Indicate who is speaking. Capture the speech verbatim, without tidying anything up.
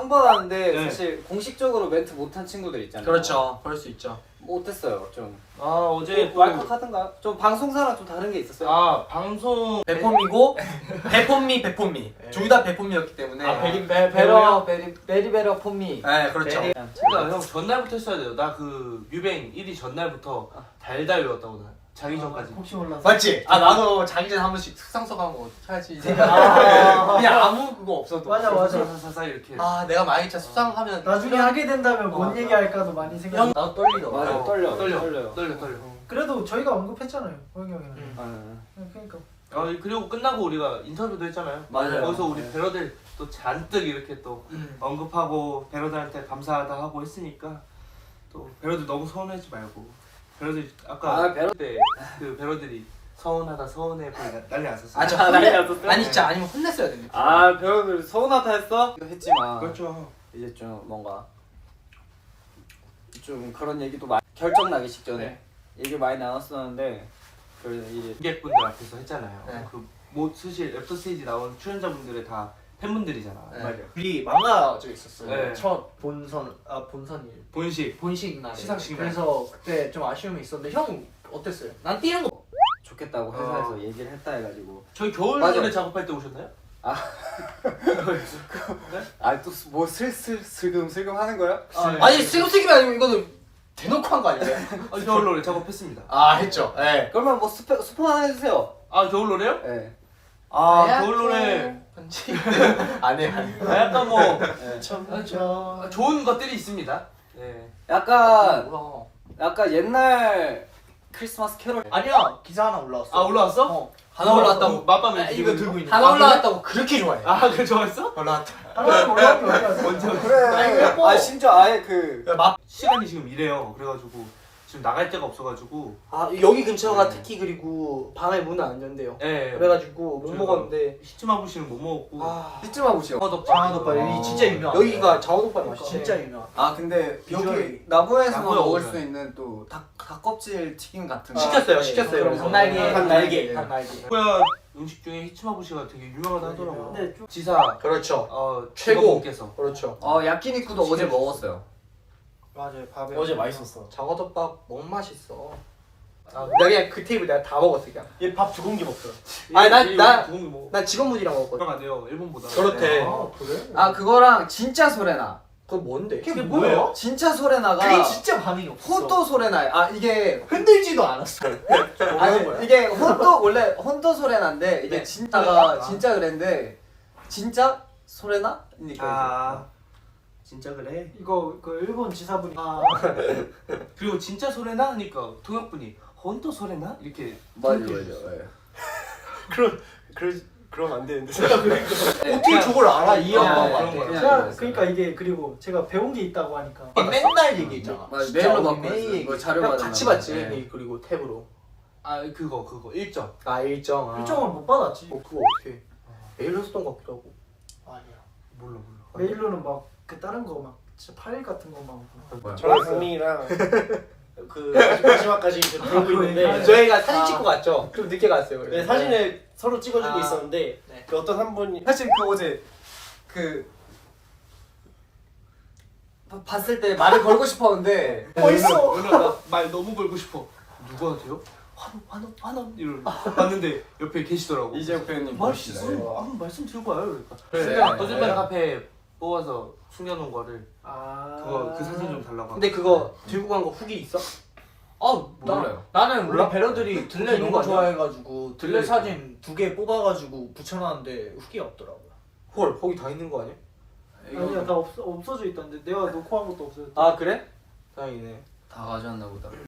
Speaker 1: 처음 받았는데
Speaker 2: 네.
Speaker 1: 사실 공식적으로 멘트 못한 친구들 있잖아요.
Speaker 3: 그렇죠. 그럴 수 있죠.
Speaker 1: 못했어요 좀.
Speaker 2: 아 어제
Speaker 1: 뭐 왈칵하던가 좀 방송사랑 좀 다른 게 있었어요.
Speaker 2: 아 방송
Speaker 3: 배폼이고 배폼미 배폼미 둘 다 배폼이었기 때문에.
Speaker 2: 아 베리
Speaker 4: 베 베러 베리 베리베러 폼미.
Speaker 3: 네 그렇죠.
Speaker 4: 베리-
Speaker 2: 그러니까 형 전날부터 했어야 돼요. 나 그 뮤뱅 일 위 전날부터 달달 외웠다고 나 자기 전까지.
Speaker 4: 혹시 몰라서.
Speaker 3: 맞지? 아 나도 자기 전에 한 번씩 숙상서하고 해야지.
Speaker 4: 아,
Speaker 3: 그냥 아무 그거 없어도.
Speaker 4: 맞아 맞아.
Speaker 2: 사사사 이렇게.
Speaker 3: 아 내가 만약에 진짜 숙상하면
Speaker 4: 나중에 하게 된다면 뭔
Speaker 3: 맞아.
Speaker 4: 얘기할까도 많이 생각.
Speaker 3: 형 나도 떨리더라.
Speaker 1: 맞아
Speaker 2: 어,
Speaker 1: 떨려
Speaker 2: 떨려
Speaker 1: 떨려요.
Speaker 2: 떨려 떨려.
Speaker 4: 그래도 저희가 언급했잖아요, 호영 형이랑.
Speaker 3: 음.
Speaker 1: 아,
Speaker 4: 그러니까.
Speaker 2: 아 그리고 끝나고 우리가 인터뷰도 했잖아요.
Speaker 1: 맞아요.
Speaker 2: 거기서 우리 배러들 또 잔뜩 이렇게 또
Speaker 3: 음.
Speaker 2: 언급하고 배러들한테 감사하다 하고 했으니까 또 배러들 너무 서운하지 말고 배러들 아까
Speaker 1: 아, 배러-
Speaker 2: 때그 배러들이 서운하다 서운해 보이 난리 났었어요.
Speaker 3: 아, 저
Speaker 1: 아, 난리 났었어요?
Speaker 3: 아니 진짜 아니면 혼냈어야 되는데.
Speaker 1: 아 배우들 서운하다 했어? 했지만
Speaker 2: 그렇죠.
Speaker 1: 이제 좀 뭔가 좀 그런 얘기도 많이 결정 나기 직전에
Speaker 2: 네.
Speaker 1: 얘기 많이 나눴었는데 그래서 이제
Speaker 2: 관객분들 앞에서 했잖아요.
Speaker 3: 네.
Speaker 2: 그뭐 사실 애프터 스테이지 나온 출연자분들의 다 팬분들이잖아.
Speaker 3: 네.
Speaker 2: 맞아요.
Speaker 4: 우리 망가져 있었어요.
Speaker 2: 네.
Speaker 4: 첫 본선 아 본선일.
Speaker 2: 본식
Speaker 4: 본식 날.
Speaker 2: 시상식 날.
Speaker 4: 그래서 그때 좀 아쉬움이 있었는데 형 어땠어요?
Speaker 3: 난 뛰는 거.
Speaker 1: 좋겠다고 회사에서 얘기를 했다 해가지고
Speaker 2: 저희 겨울
Speaker 1: 맞아요.
Speaker 2: 노래 작업할 때 오셨나요?
Speaker 1: 아또뭐 슬슬 슬금 슬금 하는 거야?
Speaker 2: 아, 네.
Speaker 3: 아니 슬금슬금이 아니고 이거는 대놓고 한 거 아니에요?
Speaker 2: 아, 겨울 노래 작업했습니다.
Speaker 3: 아 했죠. 예.
Speaker 1: 그러면 뭐 스포 스포 하나 해주세요.
Speaker 2: 아 겨울 노래요?
Speaker 1: 예.
Speaker 2: 아 겨울 노래
Speaker 3: 편지 안 해.
Speaker 2: 아, 약간 뭐
Speaker 1: 예.
Speaker 2: 아, 좋은 것들이 있습니다. 네.
Speaker 1: 약간
Speaker 3: 뭐야?
Speaker 1: 약간 옛날 크리스마스 캐롤.
Speaker 4: 아니야 기사 하나 올라왔어.
Speaker 2: 아 올라왔어?
Speaker 4: 어.
Speaker 3: 하나 올라왔다고.
Speaker 2: 맛밤에
Speaker 4: 아, 이거 들고 있는.
Speaker 3: 하나
Speaker 2: 아,
Speaker 3: 올라왔다고 그렇게 좋아해.
Speaker 2: 아 그래 좋아했어?
Speaker 3: 올라왔다.
Speaker 4: 하나 올라온 게 어디야?
Speaker 2: 언제
Speaker 1: 그래. 아 심지어 아예 그
Speaker 2: 시간이 지금 이래요. 그래가지고 지금 나갈 데가 없어가지고.
Speaker 5: 아 여기 근처가
Speaker 2: 네.
Speaker 5: 특히 그리고 밤에 문을 안 연대요.
Speaker 2: 예.
Speaker 5: 그래가지고 못
Speaker 2: 저희가-
Speaker 5: 먹었는데
Speaker 2: 히츠마부시는 못 먹었고.
Speaker 5: 아
Speaker 1: 히츠마부시요.
Speaker 2: 장화덮밥.
Speaker 4: 여기 진짜 유명한.
Speaker 5: 여기가 장어덮밥 맛있어.
Speaker 4: 진짜 유명.
Speaker 1: 아 근데
Speaker 4: 비주얼이-
Speaker 1: 여기 나고야에서
Speaker 2: 나고야
Speaker 1: 먹을
Speaker 2: 오면.
Speaker 1: 수 있는 또 닭 닭껍질 튀김 같은 거.
Speaker 5: 시켰어요,
Speaker 4: 네.
Speaker 5: 시켰어요.
Speaker 4: 그럼 닭날개.
Speaker 5: 닭날개,
Speaker 1: 네.
Speaker 5: 닭날개.
Speaker 2: 뭐야 음식 중에 히츠마부시가 되게 유명하다 하더라고요.
Speaker 4: 근데 좀
Speaker 2: 지사
Speaker 3: 그렇죠.
Speaker 2: 어
Speaker 3: 최고.
Speaker 2: 직원분께서.
Speaker 3: 그렇죠.
Speaker 1: 어 야끼니쿠도 어제 먹었어요.
Speaker 4: 맞아요 밥에.
Speaker 5: 어제 맛있었어.
Speaker 3: 장어덮밥 너무 맛있어.
Speaker 2: 아,
Speaker 5: 내가 그냥 그 테이블 내가 다 먹었어 그냥.
Speaker 4: 얘 밥 두 공기 먹더라.
Speaker 5: 아니, 난- 난-
Speaker 2: 좋은 게 뭐.
Speaker 5: 난 직원분이랑 먹었거든.
Speaker 2: 들어가네요 일본보다.
Speaker 3: 그렇대.
Speaker 4: 아 그래?
Speaker 1: 아 그거랑 진짜 소레나.
Speaker 5: 그건 뭔데?
Speaker 4: 그게 뭐예요?
Speaker 1: 진짜 소레나가
Speaker 4: 그게 진짜 반응이 없어.
Speaker 1: 혼도 소레나. 아 이게
Speaker 4: 흔들지도 않았어.
Speaker 1: 아니 이게 혼도 원래 혼도 소레나인데 이게
Speaker 2: 네.
Speaker 1: 진짜가
Speaker 2: 아.
Speaker 1: 진짜 그랬는데 진짜 소레나니까.
Speaker 2: 아 진짜 그래.
Speaker 4: 이거 그 일본 지사분이 아
Speaker 2: 그리고 진짜 소래나 하니까 통역분이 헌터 소래나 이렇게.
Speaker 1: 맞아
Speaker 2: 통역해
Speaker 1: 맞아.
Speaker 2: 주셨어요.
Speaker 1: 예.
Speaker 5: 그럼 그럼 그러면 안 되는데.
Speaker 4: 어떻게 저걸 알아 이
Speaker 2: 그냥
Speaker 4: 양반.
Speaker 2: 그런 거야.
Speaker 1: 그냥
Speaker 4: 제가
Speaker 1: 그랬어요.
Speaker 4: 그러니까 이게 그리고 제가 배운 게 있다고 하니까.
Speaker 3: 맨날 얘기했잖아.
Speaker 1: 맞아
Speaker 5: 진짜
Speaker 1: 메일로
Speaker 5: 우리
Speaker 1: 받고
Speaker 5: 매일
Speaker 1: 있어요. 뭐 자료
Speaker 5: 그냥
Speaker 1: 받은
Speaker 5: 같이
Speaker 1: 거.
Speaker 5: 봤지.
Speaker 1: 예.
Speaker 5: 이- 그리고 탭으로.
Speaker 2: 아 그거 그거 일정.
Speaker 5: 아 일정. 아.
Speaker 4: 일정을 못 받았지.
Speaker 5: 어 그거 어떻게? 메일로 썼던 것 같기도 하고.
Speaker 4: 아니야.
Speaker 2: 몰라 몰라.
Speaker 4: 메일로는 막 그 다른 거 막 진짜 파일 같은 거만.
Speaker 1: 뭐야?
Speaker 5: 저랑 강민이랑 그 마지막까지 이제
Speaker 4: 아,
Speaker 5: 들고
Speaker 4: 그거
Speaker 5: 있는데
Speaker 4: 얘기하네.
Speaker 5: 저희가 사진
Speaker 4: 아.
Speaker 5: 찍고 갔죠. 좀 늦게 갔어요. 그래서.
Speaker 6: 네, 사진을 서로 찍어주고
Speaker 5: 아.
Speaker 6: 있었는데
Speaker 5: 네.
Speaker 6: 그 어떤 한 분이
Speaker 1: 사실 그 어제 그 봐- 봤을 때 말을 걸고 싶었는데
Speaker 4: 벌써.
Speaker 2: 오늘 나말 너무 걸고 싶어. 누구한테요? 환원 환원 환원 이러 봤는데 옆에 계시더라고.
Speaker 1: 이재욱 배우님
Speaker 2: 말
Speaker 1: 멋있다.
Speaker 2: 무슨 아무 말씀 들고 와요. 그러니까.
Speaker 1: 그래.
Speaker 2: 순간 거짓말 카페 뽑아서 숨겨놓은 거를
Speaker 4: 아.
Speaker 2: 그거 그 사진 좀 달라고.
Speaker 5: 근데 그거 들고 간 거 후기 있어?
Speaker 3: 아
Speaker 1: 몰라요.
Speaker 3: 나는
Speaker 5: 몰라?
Speaker 3: 우리 배러들이 들레
Speaker 5: 너무
Speaker 3: 너무
Speaker 5: 좋아해.
Speaker 3: 좋아해가지고 들레 사진 두 개 뽑아가지고 붙여놨는데 후기가 없더라고요.
Speaker 5: 헐 거기 다 있는 거 아니야?
Speaker 4: 아니야 다 없어 없어져 있던데 내가 놓고 한 것도 없어졌다.
Speaker 5: 아 그래? 다행이네.
Speaker 1: 다 가져왔나 보다.